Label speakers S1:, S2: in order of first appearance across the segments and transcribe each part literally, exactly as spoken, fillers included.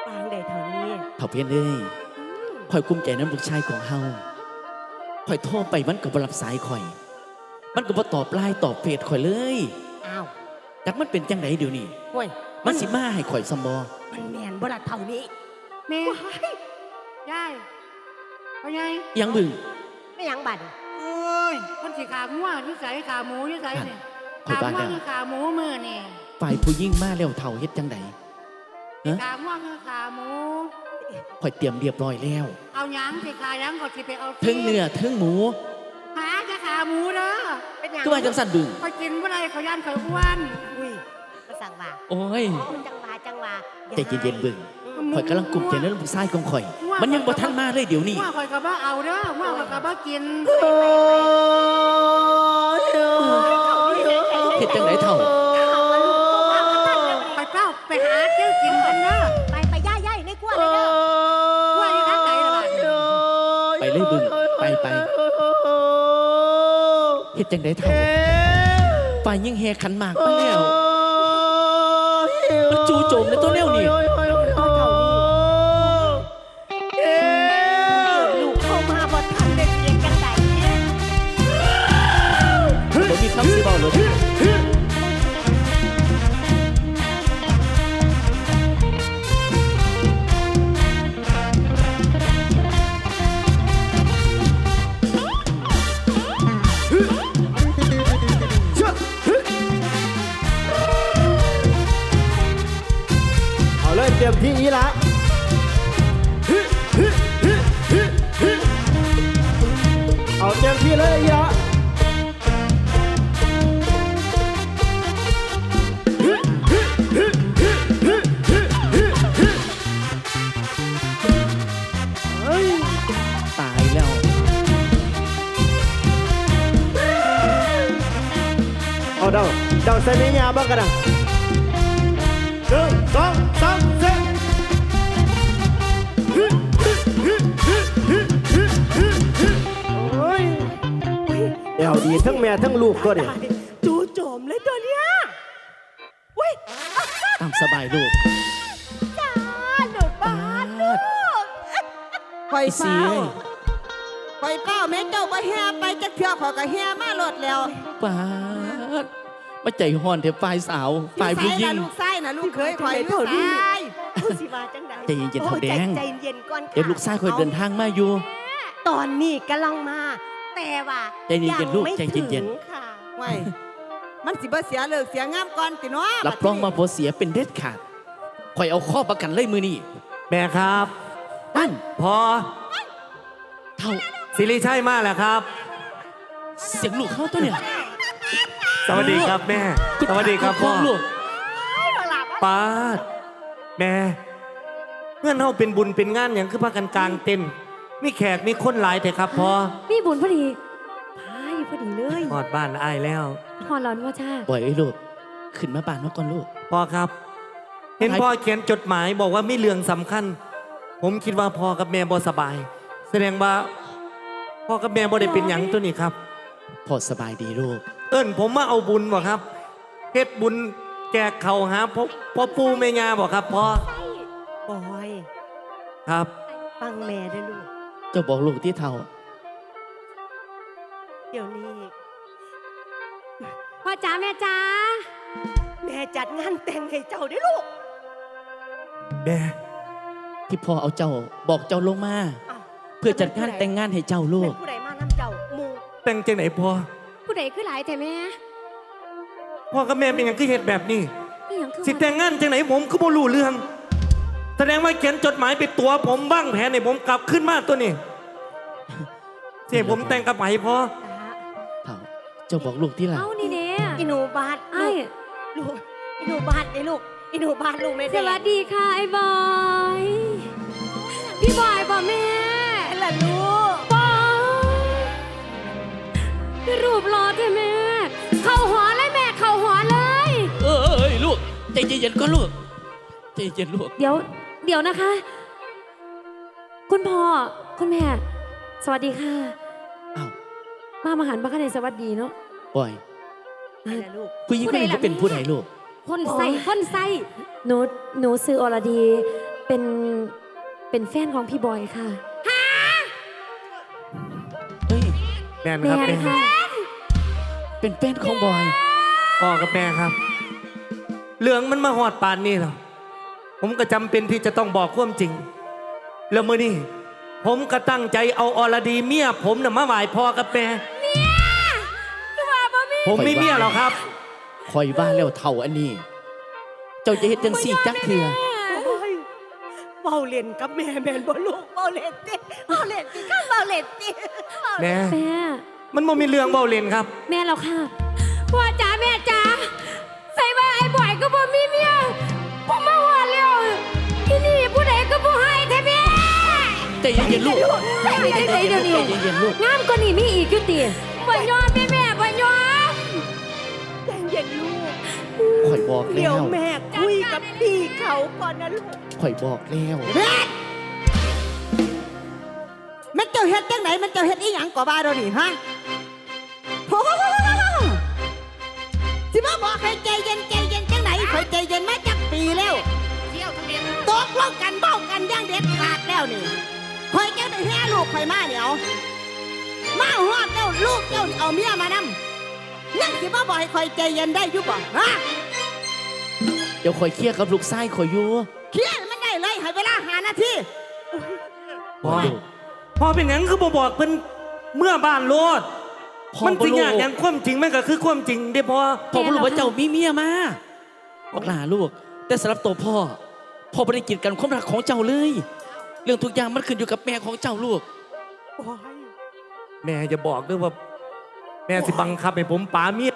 S1: ปางใดเท่านี้
S2: เท่าเพี้ยนเลยข่อยกุ้มใจน้ำลูกชายของเฮาข่อยโทรไปมันก็บ่รับสายข่อยมันก็บ่ตอบไลน์ตอบเฟซข่อยเลย
S1: อ้าว
S2: จักมันเป็นจังไดเดี๋ยวนี้
S1: โอ้ย
S2: มันสิมาให้ข่อยซัมบ่
S1: มันแมนบ่ละเท่านี้
S3: แม่ยายเอาไง
S2: ยังบึ้ง
S1: ไม่ยังบัด
S3: โอ้ยคนสิขางัวนิสัยขาหมูนิสัยเนี่ยขางัวคือขาหมูมือนี่
S2: ฝ่ายผู้ยิ่งมาแล้วเท่าเฮ็ดจังได
S3: ขางัวคือขาหมู
S2: ข่อยเตรียมเรียบร้อยแล้ว
S3: เอาหยังสิขาหยังก็สิไปเอา
S2: ถึงเนื้อถึงหมู
S3: หาจะขาหมูเด้อ
S1: เป็นหยัง
S2: ก็ว่าจังสั่นบึ้ง
S3: ข่อยกินบ่ได้ข่อยย่านข่อยอ้วน
S1: อุ้ยมาสั่งว่า
S2: โอ้ย
S1: จังว่าจังว่า
S2: ใจเย็นๆบึ้งข่อยกำลังกลุ่มใจในลูกชายของข่อยมันยังบ่ทันมาเลยเดี๋ยวนี้
S3: ว่าข่อยก็บ่เอาเด้อว่าข่อยก็บ่กิน
S2: เฮ็ดจังไดเท่า
S3: ไปเป้าไปหาเจ้ากินกันเด้อ
S1: ไปไปย่ายย่ายในกล้วยเลยเด้
S3: อกล้วยทางไหนล่ะ
S2: ไปเลยบึ้งไปไปเฮ็ดจังไดเท่าฝ่ายยิ่งแห่ขันหมากมาแล้วมันจู่โจมในตัวแนวนี่
S1: ลูกเข้ามาบ่ทันได้เรียนจังได
S2: บ่มีคำสิเว้าเลย
S4: เอาเลยเตรียมที่อีละเอาเต็มที่เลยอีละ
S2: ตายแล้ว
S4: เอาเดาเดาใส่เมียบ้างกันนะหนึ่งสองสามสี่โอ้ยเอวดีทั้งแม่ทั้งลูกก็เนี่ย
S1: จู่โจมเลยตัวเนี้ยเว้ย
S2: ตามสบายลูก
S1: จ้าหนูบ้านลูก
S5: ไฟเฝ้าไฟเฝ้าแม่เจ้าก็แห่ไปจะเที่ยวขอก็แห่มาหลดแล้ว
S2: ป้าดมาใจห่อนเถอะฝ่ายสาวฝ่ายผู้หญิง
S5: ลูกไส้นะลูกเคยคอยลูกไส้
S1: ผู้สิว่าจังได
S2: ใจเย็นๆเท่าแดง
S1: ใจเย็นก่อนค่ะ
S2: เดี๋ยวลูกไส้คอยเดินทางมาอยู่
S1: ตอนนี้กำลังมาแต่ว่า
S2: ใจเย็นๆลูกใจเย็น
S1: ๆค่ะ
S5: ไม่มันสิบ่เสียเลิกเสียงามก่อนติเนาะ
S2: รับรองมาบ่เสียเป็นเด็ดขาดคอยเอาข้อประกันเลยมือนี่
S4: แม่ครับ
S2: นั่น
S4: พอ
S2: เท่า
S4: สิริชัยมาแล้วครับ
S2: เสียงลูกเข้าตัวเนี่ย
S4: สวัสดีครับแม่สวัสดีครับพ่อป้าแม่เงื่อนเฮาเป็นบุญเป็นงานอย่างคือพากันกลางเต็นมีแขกมีคนหลายแต่ครับพ่อ
S6: มีบุญพอดีพายพอดีเลย
S4: หอดบ้านอ้ายแล้ว
S6: หอดร้อนว่าจ้า
S2: ปล่อยไอ้ลูกขึ้นมาบ้านมาก่อนลูก
S4: พ่อครับเห็นพ่อเขียนจดหมายบอกว่ามีเรื่องสำคัญผมคิดว่าพ่อกับแม่บ่สบายแสดงว่าพ่อกับแม่บ่ได้เป็นหยังตัวนี้ครับ
S2: พ่อสบายดีลูก
S4: เอิ้นผมมาเอาบุญบ่ครับเฮ็ดบุญแจกเขาหาพ่อพ่อปู่แม่ย่าบ่ครับพ่อบ
S1: อย
S4: ครับ
S1: ฟังแม่ด้วยลูก
S2: เจ้าบอกลูกที่เท่า
S1: เดี๋ยวนี้
S6: พ่อจ๋าแม่จ๋า
S1: แม่จัดงานแต่งให้เจ้าด้วยลูก
S4: แม่
S2: ที่พ่อเอาเจ้าบอกเจ้าลงมาเพื่อจัดงานแต่งงานให้เจ้าลูก
S1: ผู้ใดมานำเจ้ามู
S4: แต่งจังไหนพ่อ
S6: ผู้ใดคือหลายแต่แม่
S4: พ่อกับแม่เป็นอย่างคือเหตุแบบนี้สิแต่งงานจังไหนผมก็บ่รู้เรื่องแสดงว่าเขียนจดหมายไปตัวผมบ้างแผนให้ผมกลับขึ้นมาตัวนี้เสียผมแต่งกับไหมพ่อ
S2: เท่าเจ้าบอกลูกที่หลัง
S6: เอานี่เนี่ย
S1: อินูบาท
S6: ไอ้
S1: ลูกอินูบาทไอ้ลูกอินูบาทลูกแม่
S6: สวัสดีค่ะไอ้บอยพี่บอยบอกแม่
S1: ล่ะลูก
S6: บอยพี่รูปรอใช่แม่เข้าหัวเลยแม่เข้าหัวเลย
S2: เอ้ยลูกใจเย็นๆก็ลูกใจเย็นลูก
S6: เดี๋ยวเดี๋ยวนะคะคุณพ่อคุณแม่สวัสดีค่ะ
S2: อ้าว
S6: มามาหันมากันในสวัสดีเนาะ
S2: บ่อยผู้หญิงคนนี้จะเป็นผู้ใดลูก
S6: คนใส่คนใส่หนูหนูซื้ออรดีเป็นเป็นแฟนของพี่บอยค่ะ
S2: เฮ้ย
S4: แม่น
S6: แม่
S4: ครับแม่
S6: ค่ะ
S2: เป็นแฟนของบอย
S4: พ่อกับแม่ครับ เรื่องมันมาหอดปานนี่เหรอผมก็จำเป็นที่จะต้องบอกความจริง แล้วมื่อนี้ผมก็ตั้งใจเอาอรดีเมียผมน่ะมาไหว้พ่อกับแม่
S6: คือว่าบ่มี
S4: ผมไม่เมียหรอกครับ
S2: คอยว่าแล้วเท่าอันนี้ เจ้าจะเฮ็ดจังสี่จักเถื่อ
S1: โอ้ยเบาเล่นกับแม่แม่นบ่ลูกเบาเล่นติเบาเล่นติข้าเบาเล่นติ
S4: แม่
S6: แม่
S4: มันบ่มีเรื่องเบาเล่นครับ
S6: แม่แล้วค่ะพ่อจ๋าแม่จ๋าใส่ว่าไอ้บอยก็บ่มีเมียผมมาว่าแล้วที่นี่ผู้ใดก็บ่ให้แท้แม่
S2: ใจเย็นๆลูก
S6: ใจเย็นๆเดี๋ยวนี้
S2: ใจเย็นๆลูก
S6: งามกว่านี้มีอีกอยู่ติบ่ยอมแม่แม่บ่ยอม
S1: ใจเย็นลูก
S2: ข่อยบอก
S1: เดี๋
S2: แล้
S1: ยว
S2: ว
S1: แม่คุยกับพี่เขาก่อนนะลูก
S2: ข่อยบอกแล้ว
S5: เฮ็ดแม่เจ้าเฮ็ดจังไหนมันเจ้าเฮ็ดอีหยังก่อบ้าเรานี่ฮะโอ้โหสิมาบอกให้ใจเย็นใจเย็นจังไหนข่อยใจเย็นมาจักปีแล้ว
S3: เที่ยวทะเบียน
S5: ตกลงกันเบ้ากันอย่างเด็ดขาดแล้วนี่ข่อยเจ้าได้แห่ลูกข่อยมาเดี๋ยวมาฮอดแล้วลูกเจ้านี่เอาเมียมานำยังสิมาบอกให้ข่อยใจเย็นได้อยู่บ่ฮะ
S2: เดี๋ยวข่อยเคลียร์กับลูกชายข่อยอยู่
S5: เคลียร์มันได้เลยให้เวลาหานาที
S4: พ่อพ่อเป็นหยังคือบ่บอกเพิ่นเมื่อบ้านโลด
S2: พ่อ
S4: มัน
S2: บ่
S4: จริง
S2: รู้
S4: อย่างอย่างความจริงมันก็คือความจริงเด้พ่อ
S2: พ่อบ่รู้ว่าเจ้ามีเมียมาบอกหลาลูก แต่สำหรับตัวพ่อ พ่อบ่ได้กีดกันความรักของเจ้าเลย เรื่องทุกอย่างมันขึ้นอยู่กับแม่ของเจ้าลูก
S1: โอ้ย
S4: แม่จะบอกด้วยว่า แม่สิบังคับให้ผมป๋าเมีย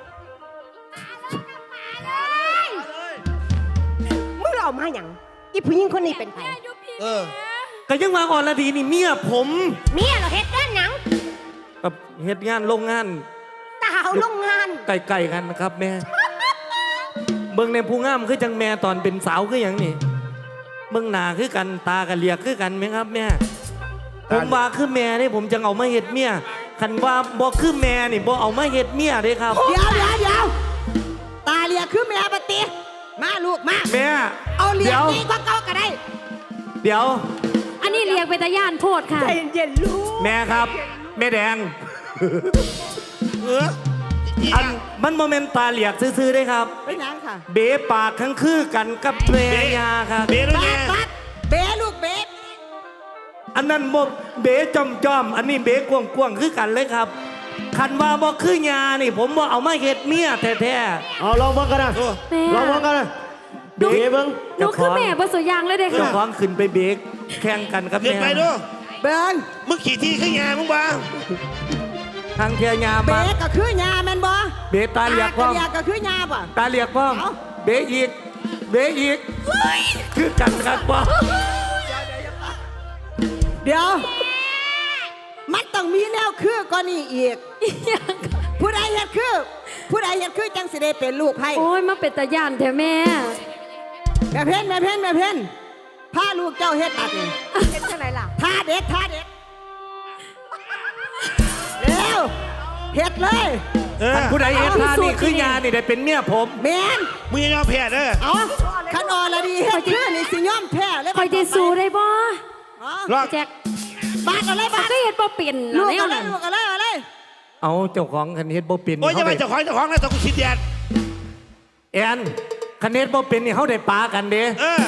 S1: มึงเอามาหยังอีผู้หญิงคนนี้เป็นใคร
S7: เออ
S4: ก็ยังมาอ่อนละดีนี่เมียผม
S1: เมียเราเฮ็ดงานหยัง
S4: กับเฮ็ดงานโรงงาน
S1: ดาวโรงงาน
S4: ไกลๆกันนะครับ แม่ เบิ่งในผู้งามคือจังแม่ตอนเป็นสาวคืออย่างนี้เบิ่งหน้าคือกันตากันเลียกคือกันไหมครับแม่ ผมว่าคือแม่นี่ผมจะเอามาเฮ็ดเมียคันว่าบ่คือแม่นี่บ่เอามาเฮ็ดเมียเด้ครับ
S5: เดี๋ยวเดี๋ยวเดี๋ยวตาเลียคือแม่ปฏิมาลูกมา
S4: แม่
S5: เอาเลีย
S4: เดี๋ยว
S5: ดีกว่าเก่าก็ได้
S4: เดี๋ยว
S6: อันนี้เรียกเป็นตาย่านโพดค่ะ
S1: ใจเย็นๆลูก
S4: แม่ครับ แม่แดง
S7: เอออี
S4: อัน
S7: อะ
S4: มันโมเมนตาเหลียกซื่อๆได้ครับ
S5: เป็นหยังค่ะ
S4: เบ๋ปากทั้งคือกันกับแม่ยาครับ
S7: เบด้วย
S5: ปั
S7: แม่
S5: ดปัดเบลูกเบ
S4: อันนั้นบ่เบ๋จอมจอมๆอันนี้เบ๋กวงกวงๆคือกันเลยครับ คันว่าบ่คือยานี่ ผมบ่เอามาเฮ็ดเมียแท้
S8: เอาลองเบิ่งกันนะ
S7: โอ้
S6: แม่
S8: ลองเบิ่งกันนะเบ๋เบิ่ง
S6: หนูคือแม่บ่สุยางเลยเด้
S4: ๆเจ้า
S6: ค่ะ
S4: ของขึ้นไปเบ๋แข่งกันกับ
S7: เกิน
S4: แม่
S7: ไปดู
S5: เบิง
S7: มึงขี่ที่ขึ้นยามึงบ้า
S4: ทางเทียยา
S5: เบ
S4: มา
S5: ก็คือยาแม่นบ่
S4: เบ๋ตาเหลียกพร้อม
S5: ตาเลียก็คือยาบ่
S4: ตาเหลียกพร้อม
S5: เอ้า
S4: เบ๋อีกเบ๋อีกคือกันครับพ่อ
S5: เดี๋ยว มันต้องมีแนวคือก่อนนี่อีก ผู้ใดเฮ็ดคือ ผู้ใดเฮ็ดคือจังสิได้เป็นลูกไผ่
S6: โอ้ยมาเป็นตาย่านแท้แม่
S5: แม่เพ่นแม่เพ่นแม่เพ่นพาลูกเจ้าเฮ็ดตัดนี่
S1: เฮ็ดจังไหนล่ะ
S5: ท่าเด็ดท่าเด็ดเร็วเฮ็ดเลย
S7: เออ
S4: ท่านผู้ใดเฮ็ดท่านี่คือยานี่ได้เป็นเมียผม
S5: แม่น
S7: มึงยังยอมแพ้เด้อ
S5: เอาขันออละดีเฮ็ดคือนี่สิย่อมแพ้เลย
S6: คอยจะสู้ได้บ่
S5: เอา
S7: รอด
S6: แจ็ค
S5: บาดอะไรบาด
S6: ก็เฮ็ดบ่เป็น
S5: ลูก
S6: แน
S5: อะ
S6: ว
S5: ไร
S6: นั้น
S5: ลูกอะไรอะไร
S4: เอาเจ้าของคันเฮ็ดบ่เป็น
S7: โอ้ยจะ
S4: เขา
S7: ไป
S4: ได้
S7: เจ้าของเจ้าของแล้วต้องกูชิดแดด
S4: แอนคันเฮ็ดบ่เป็นนี่เขาได้ปากันเด้
S7: เออ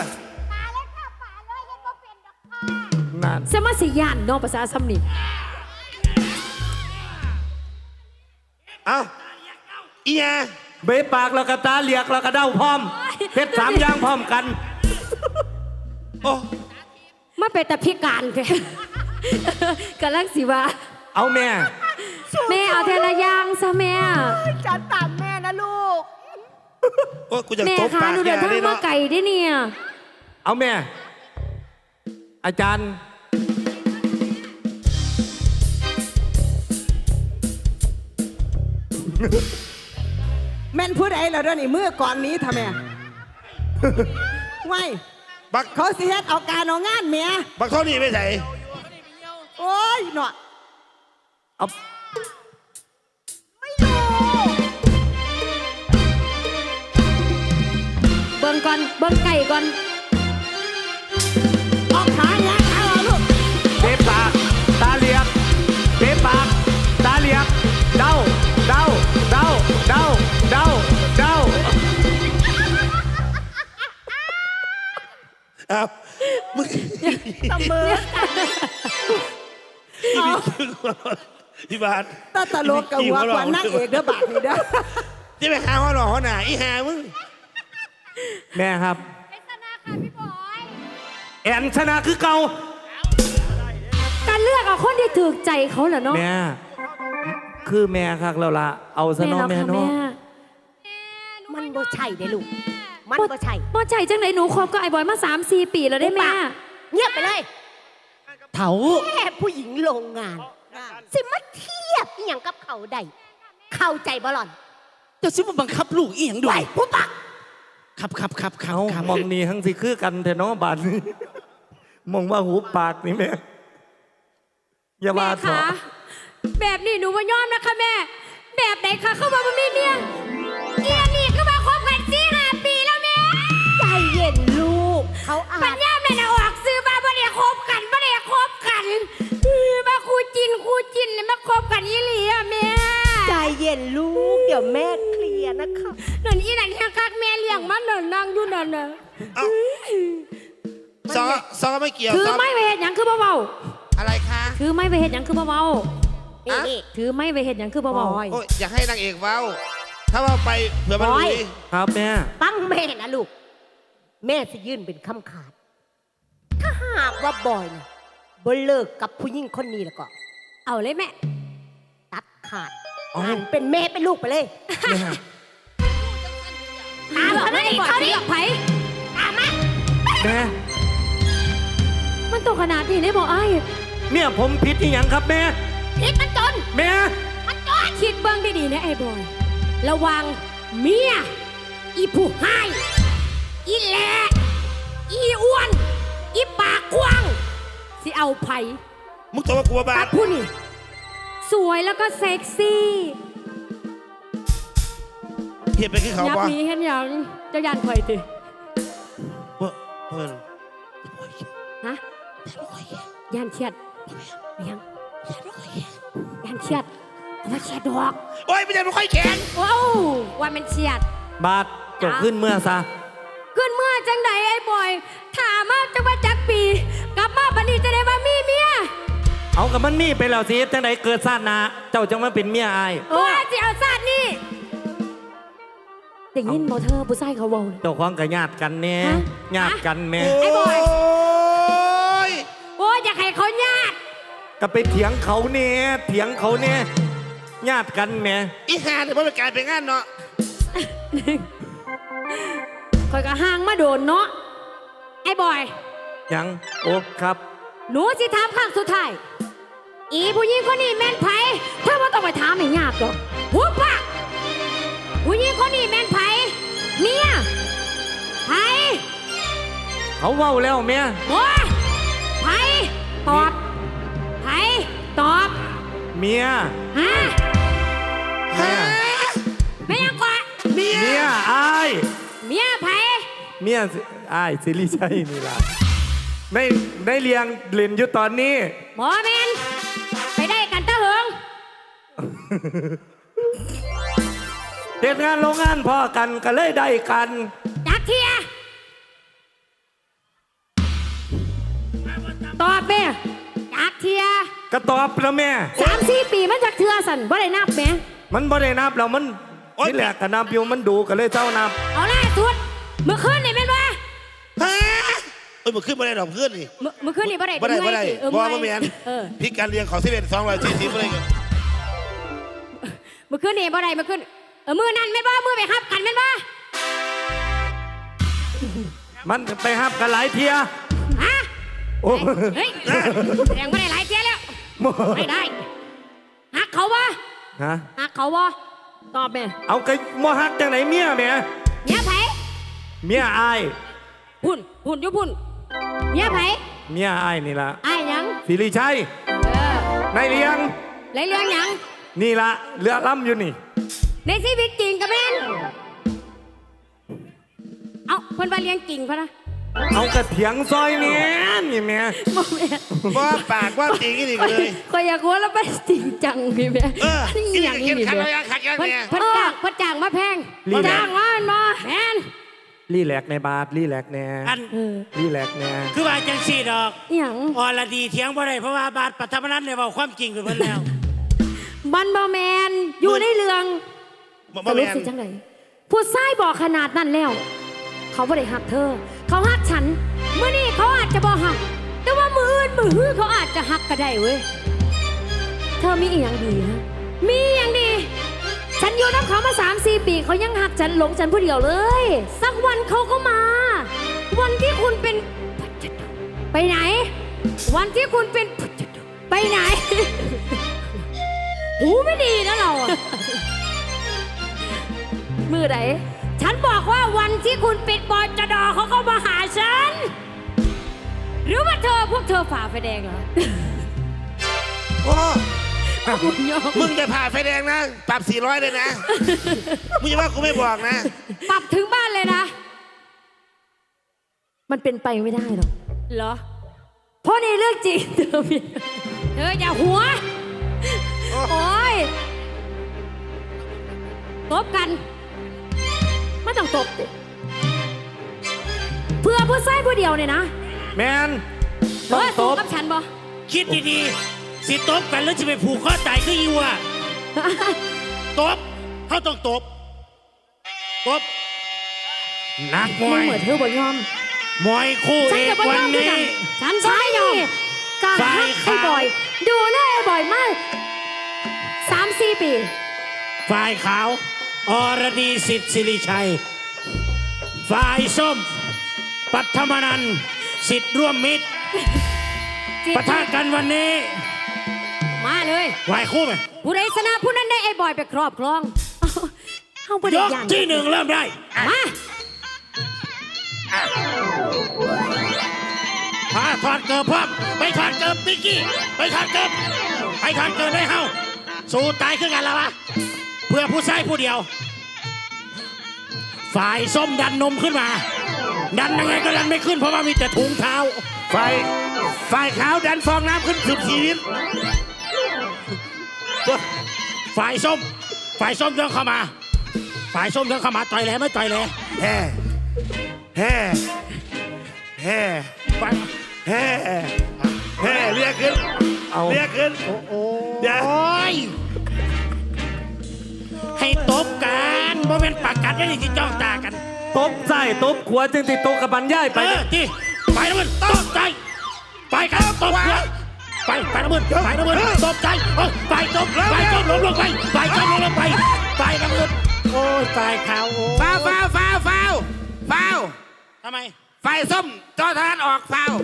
S4: นั่น
S6: สมาสิย่านเนาะภาษาซ้ำนี่
S7: เอาอียา
S4: เบะปากแล้วก็ตาเหลียกแล้วก็เด้าพร้อมเฮ็ดสามอย่างพร้อมกัน
S7: โอ้
S6: มาเป็นแต่พิการแท้ กำลังสิว่า
S4: เอาแม่
S6: แม่เอาเทละอย่างซะแม่
S1: จัดตามแม่นะลูก
S7: โอ้กูจะ
S6: แม่
S7: ตบ
S6: คะ
S7: ปาก
S6: หนู
S7: แก
S6: เดินทาง
S7: ได้
S6: มา
S7: เนาะ
S6: ไก่ได้เนี่ย
S4: เอาแม่ อาจารย์
S5: แม่นผู้ใดแล้วเด้อนี่มือก่อนนี้ทำไมไว้
S7: บัก
S5: เขาสิเฮ็ดเอาการเอางานเมีย
S7: บักเท่านี้ไม่ใส่
S5: โอ้ยเนาะ
S4: เอา
S6: เบิ่งก่อนเบิ่งไก่ก่อน
S5: ออกขาแงะขาออกลูก
S4: เบ๊ปากตาเหลียกเบ๊ปากตาเหลียกเดาเดาเดาเดาเดาเดา
S7: อ้าวมึง
S1: ตะเมอ
S7: พี่บาท
S1: ตาตลกกับหัวกว่านั่งเอกเด้อบาดนี่เด้อ
S7: จะไปหาหัวหล่อหัวหนาอีหามึง
S4: แม่ครับ
S6: เป็นชนะค่ะพี่บอย
S4: แอนชนะคือเก่า
S6: การเลือกเอาคนที่ถูกใจเขาเหรอเนาะ
S4: แม่คือแม่ครับเราละเอาซะเน้องแม่
S6: แล้วค่ะ
S4: เนาะ
S1: มันบ่ใช่เด้ลูกมันบ่ใช่
S6: บ่ใจจังไหนหนูคบกับไอ้บอยมาสามสี่ปีแล้วได้แม่
S1: เงียบไปเลย
S2: เถา
S1: แค่ผู้หญิงโรงงาน สิมาเทียบอหย่างกับเขาได้เข้าใจบ่หล่อน
S2: เจ้าสิมาบังคับลูกอีหยังด้
S1: ไป
S2: วย
S1: ผู้ปัก
S2: ครับครับครับครั
S4: เอา
S2: บครับ
S4: มองนี่ทั้งสิคือกันแต่เนาะบาดนี้มองว่าหูปากนี่แม่อย่า
S6: แม่
S4: มาเถ
S6: คะ
S4: อะ
S6: แบบนี้หนูว่ายอมนะคะแม่ แบบไหนคะเข้ามาบ่มีเมียเอียนี่ก็มาคบกันสี่ห้าปีแล้วแม่
S1: ใจเย็นลูก เขาอา
S6: ปัญ
S1: จ
S6: ญาแม่น่ะออกซื้อมาบ่ได้คบกันบ่ได้คบกันเออมาคู่จินคู่จินเลยมาคบกันอีหลีอะแม่
S1: ใจเย็นลูก เดี๋ยวแม่เคลียร์นะคะ
S6: นั่นอีนั่นแค่คักแม่เลี้ยงมันนั่นนั่งอยู่นั่นน่ะ
S7: เอ้าซอซอไม่เกี่ยว
S6: ถือ
S7: ซอ
S6: ไม้ไปเฮ็ดหยังคือบ่เว้า
S7: อะไรคะ
S6: ถือไม้ไปเฮ็ดหยังคือบ่เว้า
S1: นี่
S7: อะ
S1: นี่
S6: ถือไม้ไปเฮ็ดหยังคือบ่เว้า
S1: บอย
S7: โอ้ยอยากให้นางเอกเว้า ถ้าว่าไปเผื่อมัน
S1: บอย
S7: ลุย
S4: ครับแม่
S1: ฟังแม่นะลูก แม่จะยื่นเป็นคำขาด ถ้าหากว่าบอยนะบ่เลิกกับผู้หญิงคนนี้แล้วก็
S6: เอาเลยแม่
S1: ตัดขาด
S4: อ๋อ
S1: อ่านเป็นแม่เป็นลูกไปเลย
S4: แม่
S6: ตามเขาได้เขาดิไผ
S1: ตามมา
S4: แม่
S6: มันตกขนาดนี้ได้บ่อ้าย
S4: เมียผมผิดอีหยังครับแม่
S6: พิษมันจน
S4: แม่
S6: มันจนคิดเบิ่งดีๆนะไอ้บอย ระวังเมีย อีผู้ให้อีแหละอีอ้วน อีปากกว้าง สิเอาไผ
S7: มึงตัวกลัวบ้า
S6: ตัดผู้นี่ สวยแล้วก็เซ็กซี่
S7: เห็นไปขึ้นเขา
S6: ยับ
S7: ปะ
S6: หนี้เห็นหยังเจะยันข่อยติ
S7: เพื่อเพื่อน
S6: ฮะยันเชียดยังยันเชียดเอามาเชียดดอก
S7: โอ้ยไม่ใช่ไม่ค่อยแข็ง
S6: ว้าวว่ามันเชียด
S4: บาดจบขึ้นเมื่อซะ
S6: ขึ้นเมื่อจังใดไอ้บอย ถามมาจังว่าจักปี กลับมาปานนี้จะได้ว่ามีเมีย
S4: เอากับมันมีไปแล้วสิจังไดเกิดชาติหนาเจ้าจังมาเป็นเมียอาย
S6: ว่าสิเอาซาดนี่ได้ยินบ่เธอผู้ชายเขาเว้าเลย
S4: เจ้าของกับญาติกันเนี่ย
S6: ฮะ
S4: ญาติกันแม่
S6: ไอ้บอย
S7: โอ้ย
S6: โอ้ยอยากให้เขาญาติ
S4: ก็ไปเถียงเขาเนี่ยเถียงเขาเนี่ยญาติกันแม่
S7: อีหาเนี่ยมันเป็นการเป็นงานเนาะ
S6: คอยก็ห่างมาโดนเนาะไอ้บอย
S4: ยังโอ้ครับ
S6: หนูสิถามครั้งสุดท้าย อีผู้หญิงคนนี้แม่นไผเธอว่าต้องไปถามให้ยากหรอกหัวปากผู้หญิงคนนี้แม่นไผเมียไผ
S4: เขาเว้าแล้วแม่
S6: โอ้ยไผตอบไผตอบ
S4: เมีย
S6: ฮะ
S4: แม่
S6: ไม่ยังกว่า
S7: เมีย
S4: เมียอาย
S6: เมียไผ
S4: เมียสิอายสิริชัยนี่ล่ะในในเรียงเล่นอยู่ตอนนี้
S6: หมอแมนไปได้กันตะเหิง
S4: เหตุงานโรงงานพอกันก็เลยได้กัน
S6: จักเทียตอบแม่จักเทีย
S4: ก็ตอบแล้วแม่
S6: สามสี่ปีมันจักเทือสันว่าได้นับแม่
S4: มันบ่ได้นับแล้วมันที่แหลกก็นับอยู่มันดูก็เลยเจ้านับ
S6: เอาล่าสุดเมื่อคืนนี่แม่นว่า
S7: ฮะเอ้ยมันขึ้นมาได้ดอกเพื่อนนี่
S6: เมื่อเมื่อคืนนี่บ่ได้
S7: บ่ได้บ่ได้
S6: เออ
S7: บ่
S6: เมื่อย
S7: บ่แม่น
S6: เออ
S7: พี่การเรียงของสิบเอ็ดสองร้อยสี่สิบอะไรกัน
S6: เมื่อคืนนี่บ่ได้เมื่อคืนเออมือนั่นแม่นว่ามือไปครับกันแม่นว่า
S4: มันไปห้ามกันหลายเทีย
S6: ฮะ
S4: โอ้
S6: เฮ้ยแสดงบ่ได้หลายเที่ยแล้วไม่ได้หักเขาวะ
S4: ฮะ
S6: หักเขาวะตอบแม่
S4: เอาไก่มอฮักจังไหนเมียแม่
S6: เมียไผ
S4: เมียอาย
S6: พุ่นพุ่นอยู่พุ่นเมียไผ
S4: เมียอายนี่ล่ะ
S6: อ้ายหยัง
S4: สิริชัย
S6: เออ
S4: ในเรียง
S6: ไรเรื่องหยัง
S4: นี่ละเรือล่ำอยู่นี่
S6: ในชีวิตจริงกับแม่นเอาเพิ่นว่าเลี้ยงกิ่งพะนะ
S4: เอากระเถียงซอยเนี่ยนี่แม่
S6: บ่แม่น
S7: ว่าปากว่าจริงอีกเลย
S6: ก็อยากว่าแล้วไปจริงจังพี่แม่
S7: เออ
S6: นี่
S7: นี่
S6: อย่าง
S7: เขี
S6: นี้
S7: ยน
S6: นี่
S7: ขัด
S6: แม่
S7: แล้วขัดกัน
S6: เพิ่น
S7: เนี่ย
S6: เพิ่นจ้างเพิ่นจ้างมาแพงจ้างมาเนาะแม่น
S4: รีแลกในบาทรีแลกแน่
S3: อัน
S6: เออ
S4: รีแลกแน่
S3: คือว่าจังสี่ดอก
S6: อหย่าง
S3: อรดีเถียงบ่ได้เพราะว่าบาทปัทมนันเนี่ยเว้าความจริงไปเพิ่นแล้ว
S6: มันบ่แมนอยู่ในเรื่อง
S7: บ่
S6: ส
S7: บ่
S6: รุ
S7: แม่
S6: ป
S7: น
S6: สิจังไดผู้ชายบอกขนาดนั้นแล้ว เขาบ่ได้หักเธอ เขาหักฉันเมื่อนี้เขาอาจจะบ่หัก แต่ว่ามืออื่นมือฮื้อเขาอาจจะหักก็ได้เว้ยเธอมีอีหยังดีฮะมีอีหยังดี ฉันอยู่น้ำเขามาสามสี่ปีเขายังหักฉันหลงฉันผู้เดียวเลย สักวันเขาก็มา วันที่คุณเป็น ไปไหน วันที่คุณเป็น ไปไหน หูไม่ดีนะเราอะ มือไหน ฉันบอกว่าวันที่คุณปิดบอลจดอเขาก็มาหาฉัน หรือว่าเธอพวกเธอฝ่าไฟแดงเหรอ
S7: โอ้
S6: คุณยอม
S7: มึงจะผ่าไฟแดงนะปรับสี่ร้อยเลยนะมึงจะว่ากูไม่บอกนะ
S6: ปรับถึงบ้านเลยนะ มันเป็นไปไม่ได้หรอกเหรอ เพราะในเรื่องจริง เธอมีเธออย่าหัว โอ้ยตบกันไม่ต้องตบดิเพื่อผู้ชายผู้เดียวเนี่ยนะ
S4: แมน
S6: เอ
S4: ต้อง
S6: อ
S4: ต
S6: สู้
S4: บ
S6: กับฉันบ่
S3: คิดดีๆสิตบกันแล้วจะไปผูกคอตายคืออีวะตบเขาต้องตบตบนักม
S6: มึ
S3: ว
S6: ง
S3: ย
S6: เหมือนเธอบ่ยอม
S3: มวยคู่
S6: ฉั
S3: เอน ก
S6: กับบ่ย
S3: วั
S6: อนมด้วย
S3: นี้
S6: กันฉันใช่ยอมการ
S3: ฝ่าย
S6: ฮักไอ้
S3: ขาว
S6: บ่อย ดูแลไอ้บ่อยมากสามสี่ปี
S3: ฝ่ายขาวอรดีสิทธิ์สิริชัย ฝ่ายส้ม ปัทมนันท์สิทธิ์ร่วมมิตรปะทะกันวันนี้
S6: มาเลย
S3: ไหวคู่ไหม
S6: ผู้ใดชนะผู้นั้นได้ไอ้บอยไปครอบครองเอาไป
S3: ย
S6: ได้
S3: ก
S6: ยัน
S3: ที่หนึ่งเริ่มได้
S6: มา
S3: พาถอดเกิบพร้อมไปถอดเกิบปิกกี้ไปถอดเกิบไปถอดเกิบได้เฮาสู้ตายขึ้นกันแล้ววะเพื่อผู้ชายผู้เดียว ฝ่ายส้มดันนมขึ้นมา ดันยังไงก็ดันไม่ขึ้นเพราะว่ามีแต่ถุงเท้า
S7: ไฟไฟขาวดันฟองน้ำขึ้นสุดชีวิต
S3: ฝ่ายส้ม ฝ่ายส้มเดินเข้ามา ฝ่ายส้มเดินเข้ามาต่อยแหลไม่ต่อยแหล
S7: แฮ่แฮ่แฮ่
S3: ฝ่าย
S7: แฮ่แฮ่เรียกขึ้น
S4: เอา
S7: เรียกขึ้นเดี๋ยว
S3: โอ้ยให้ตบกันโมเมนต์ปากกัดได้ที่จ้องตากัน
S4: ตบใส่ตบขวาจึงติดโตกับบันย่าย
S3: ไป
S4: ไป
S3: ที่ไปนะมึงตบใจไปกันตบหัวไปไปนะมึงไปนะมึงตบใจเออไปจบไปจบลงลงไปไปจบลงลงไปไปนะมึงโอ้ยตายขาวโอ้
S7: ฟาวฟาวฟาวฟาวฟาว
S3: ทำไม
S7: ไฟส้มจอทานออกฟาว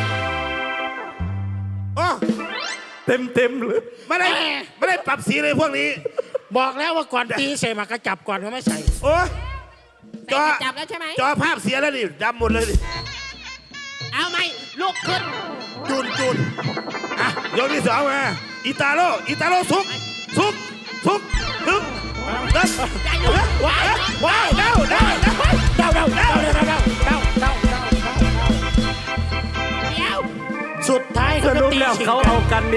S7: โอ้
S4: เต็มเต็มๆเลย
S7: ไม่ได้ไม่ได้ปรับสีเลยพวกนี้
S3: บอกแล้วว่าก่อนตีใส่หมากกระจับก่อนเขาไม่ใส่
S7: โอ้จอ
S5: จับแล้วใช่ไหม
S7: จอภาพเสียแล้วดิดำหมดเลยดิ
S5: เอาไหมลูกขึ้น
S7: จุนจุนอ่ะยกที่สองมาอิตาโร่อิตาโร่ซุกซุกซุกซุกเดินว้าวว้าวเด้าเด้าเด้า
S3: เดาเดาเดาเดาเดาเดาเดาเดาเดาสุดท้าย
S4: ส
S3: เขาก็
S4: รุป
S3: ตี
S4: แล้ว
S3: ฉิง
S4: เขา
S3: กั
S4: เอา
S3: น
S4: กันเอง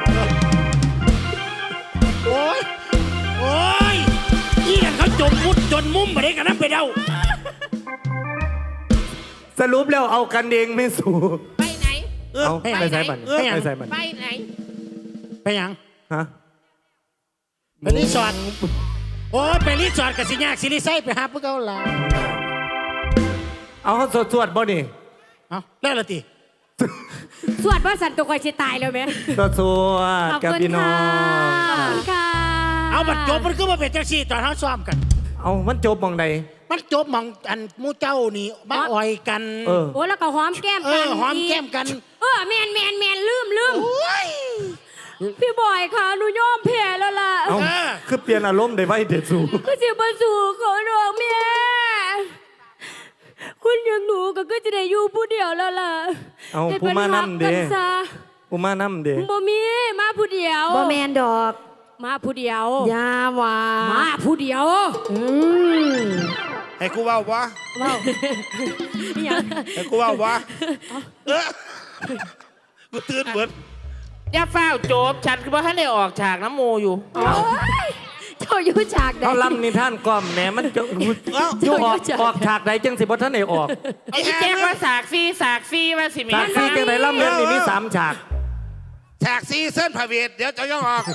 S3: โอ้ยโอ้ยอีนั่นเขาจมมุดจนมุมมาได้กันนั่นไปเดา
S4: สรุปแล้วเอากันเองไม่สู้
S5: ไปไหน
S4: เอาไปใส่บัน
S3: เออ
S4: ไปใส่บัน
S5: ไปไหน
S3: ไปยัง
S4: ฮะ
S3: ไปรีสอร์ทโอ้ยไปรีสอร์ทกับสิญาสิริไซไปหาพวกเขาละ
S4: เอาเขาสวดสวดๆบ่นี่
S3: เอาแล้วละตี
S6: สวดว่าสันตัวคอยชิตายเลยไหม
S4: สวดสวด
S6: ขอบ
S4: กับ
S6: คุณ
S4: พี่น้อ
S6: ค่ะ
S4: ง
S6: ขอบคุณค่ะ
S3: เอาบัดจบมันก็มาเป็นจังซี่ตอนเขาซ้อมกัน
S4: เอามันจบมองใด
S3: มันจบหมองอันหมูเจ้านี่มาอ่อยกัน
S4: เออ
S6: โอ้แล้วก็หอมแก้ม
S3: เอ
S6: กั
S3: อน หอมแก้มกัน
S6: เออแมนแมนแมนลืมลืมพี่บอยค่ะหนูยอมแพ้แล้วล่ะ
S4: เอาคือเปลี่ยนอารมณ์ได้ไว้เด็ดสู
S6: ก็จะมาสู่ขอร้องแม่คุณอย่างหนูก็ก็จะได้อยู่ผู้เดียวแล้วล่ะ
S4: เอา
S6: ให้
S4: ผู้
S6: พิ่
S4: มานำเด้
S6: รักกันซะ
S4: ผู้มานำเด้
S6: บ่มีมาผู้เดียว
S5: บ่แมนดอก
S6: มาผู้เดียว
S5: อยาว่า
S6: มาผู้เดียว
S5: อืม
S7: ให้กูเว้าบ่
S6: ว้าวอีหยัง
S7: ให้กูเว้าบ่เออกูตื่นเบิด
S3: อย่าเฝ้าวโจบฉันคือว่าท่านได้ออกฉากน้ำโมอยู่
S6: โอ้ยเจ้าอยู่ฉากใด
S4: เขาลำนิทานกล่อมแหมมันจะอยู่ออกออกฉากใดจังสิบ่ท่านได้ออก
S3: ไอ้ที่แจ้งว่าสากซี่สากซี่ว่าสิมี
S4: ฉากซีจังไดลำเรื่องนี้มีสามฉาก
S7: ฉากซีเส้นพระเวทเดี๋ยวจะย่องออก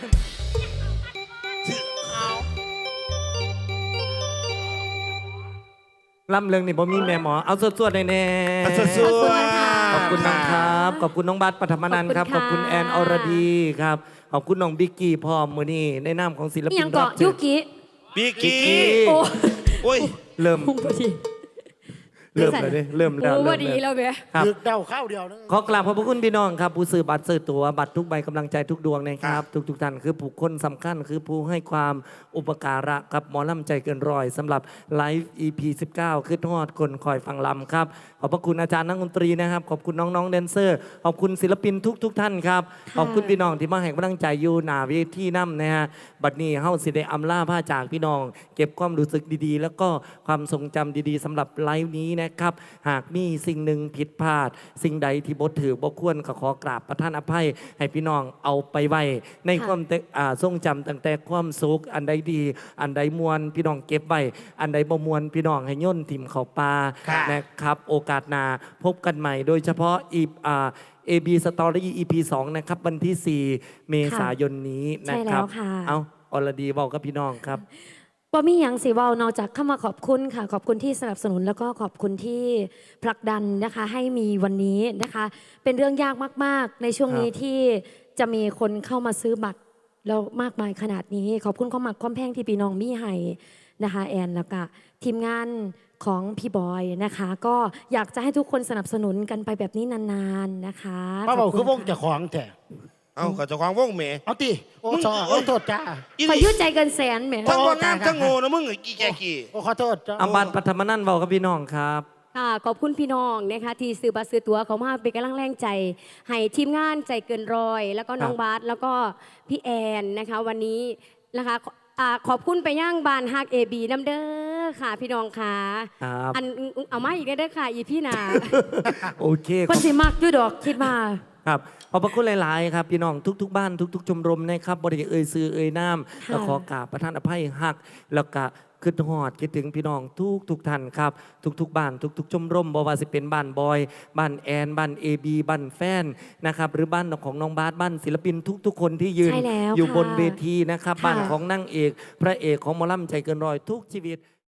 S4: ลำเรื่องนี้บ่มีแม่หมอเอาสวดๆแน่ๆ
S7: เอาสวดๆ
S4: ขอบคุณน้องครับ ขอบคุณน้องบัสปฐมนันท์ครับ ขอบคุณแอนอรดีครับ ขอบคุณน้องบิ๊กกี้พร้อมมือนี้ในนามของศิล
S6: อี
S4: ปิ
S6: ห
S4: น
S6: ยัง
S4: รั
S6: เกาะ
S4: บเชิ
S6: ยุ
S4: ญ
S6: กิ
S7: บิกกี้
S6: โอ้
S7: โอ้ย
S4: เริ่ม
S6: พุ่งพอดี
S4: เริ่มเลยดิเริ่มแล้ว
S6: โอ้
S4: เริ่
S6: ว่าม ดี
S4: แล้ว
S6: แล้วแม่
S4: ครับ
S3: ดึกเดาข้าวเดียวนึง
S4: ขอกราบขอบพระคุณพี่น้องครับ ผู้ซื้อบัตรซื้อตั๋วบัตรทุกใบกำลังใจทุกดวงนะครับ ทุกทุกๆท่านคือผู้คนสำคัญคือผู้ให้ความอุปการะกับหมอลำใจเกินร้อยสำหรับไลฟ์ อี พี สิบเก้าคือทอดคนคอยฟังลำครับ ขอบพระคุณอาจารย์นักดนตรีนะครับ ขอบคุณน้องๆแดนเซอร์ ขอบคุณศิลปินทุกทุกๆท่านครับ ขอบคุณพี่น้องที่มาให้กำลังใจอยู่หน้าเวทีน้ำนะฮะบัดนี้เฮาสิได้อำลาผ้าจากพี่น้อง เก็บความรู้สึกดีๆ แล้วก็ความทรงจำดีๆสำหรับไลฟ์นี้นะครับหากมีสิ่งหนึ่งผิดพลาด สิ่งใดที่บ่ถือบ่ควรก็ขอกราบประทานอภัย ให้พี่น้องเอาไปไว้ในความเตอ่าทรงจำตั้งแต่ความสุขอันใดดี อันใดมวลพี่น้องเก็บไว้อันใดบ่มวลพี่น้องให้ย่นถิ่มเข้าปลานะครับโอกาสหน้าพบกันใหม่ โดยเฉพาะอีอ่า เอ บี Story อี พี สองนะครับวันที่ สี่ เมษายนนี้นะครับ
S6: ใช่แล้วค่ะ
S4: เอาอรดีเว้ากับพี่น้องครับ
S6: บ่มีหยังสิเว้านอกจากเข้ามาขอบคุณค่ะ ขอบคุณที่สนับสนุนแล้วก็ขอบคุณที่ผลักดันนะคะให้มีวันนี้นะคะ เป็นเรื่องยากมากๆ ในช่วงนี้
S4: ครับ
S6: ที่จะมีคนเข้ามาซื้อบัตรแล้วมากมายขนาดนี้ ขอบคุณความหมักความแพงที่พี่น้องมีให้นะคะแอนแล้วก็ทีมงานของพี่บอยนะคะ ก็อยากจะให้ทุกคนสนับสนุนกันไปแบบนี้นานๆนะคะ
S3: ป้าบอก
S6: ข
S3: คือ
S6: ณ
S3: วงเจะของแท้
S7: เอากับเจ้าของวงเม
S3: เอาติโอ้ชอโอ้โทษจ้า
S7: อี
S6: ขอ
S7: นี่
S6: ยืดใจเกินแสนแหม
S7: ทั้งว่างามทั้งโง่นะมึงไอ้กี่แกกี่
S3: โอ้ขอโทษจ้า
S4: อาบัตรปฐมนันท์เว้ากับพี่น้องครับ
S6: ค่ะขอบคุณพี่น้องนะคะที่ซื้อบัตรซื้อตั๋วเขามาเป็นกำลังแรงใจ ให้ทีมงานใจเกินร้อย แล้วก็น้อง
S4: ครับ
S6: บาสแล้วก็พี่แอนนะคะ วันนี้นะคะอ่าขอบคุณไปย่างบานฮักเอบีน้ำเด้อค่ะ พี่น้องค่ะ
S4: ครับ
S6: อันเอามาอีกได้อค่ะอีพี่นา
S4: โอเค
S6: คนสิมักด้วยดอกคิดมา
S4: ครับขอบพระคุณหลาย ๆ ครับ พี่น้องทุก ๆ บ้านทุก ๆ ชมรมนะครับบริเอ่ยซื้อเอ่ยน้ำแล้วขอกราบประทานอภัยหัก แล้วก็คิดฮอดคิดถึงพี่น้องทุกทุกๆท่านครับ ทุก ๆ บ้านทุก ๆ ชมรมบ่ว่าสิเป็นบ้านบอย บ้านแอน บ้านเอบีบ้านแฟนนะครับหรือบ้านของน้องบาสบ้านศิลปินทุก ๆ คนที่ยืน
S6: ใช่แล้ว
S4: อยู่
S6: ค่ะ
S4: บนเวทีนะครับ
S6: ค่ะ
S4: บ้านของนางเอก พระเอกของหมอลำใจเกินร้อยทุกชีวิต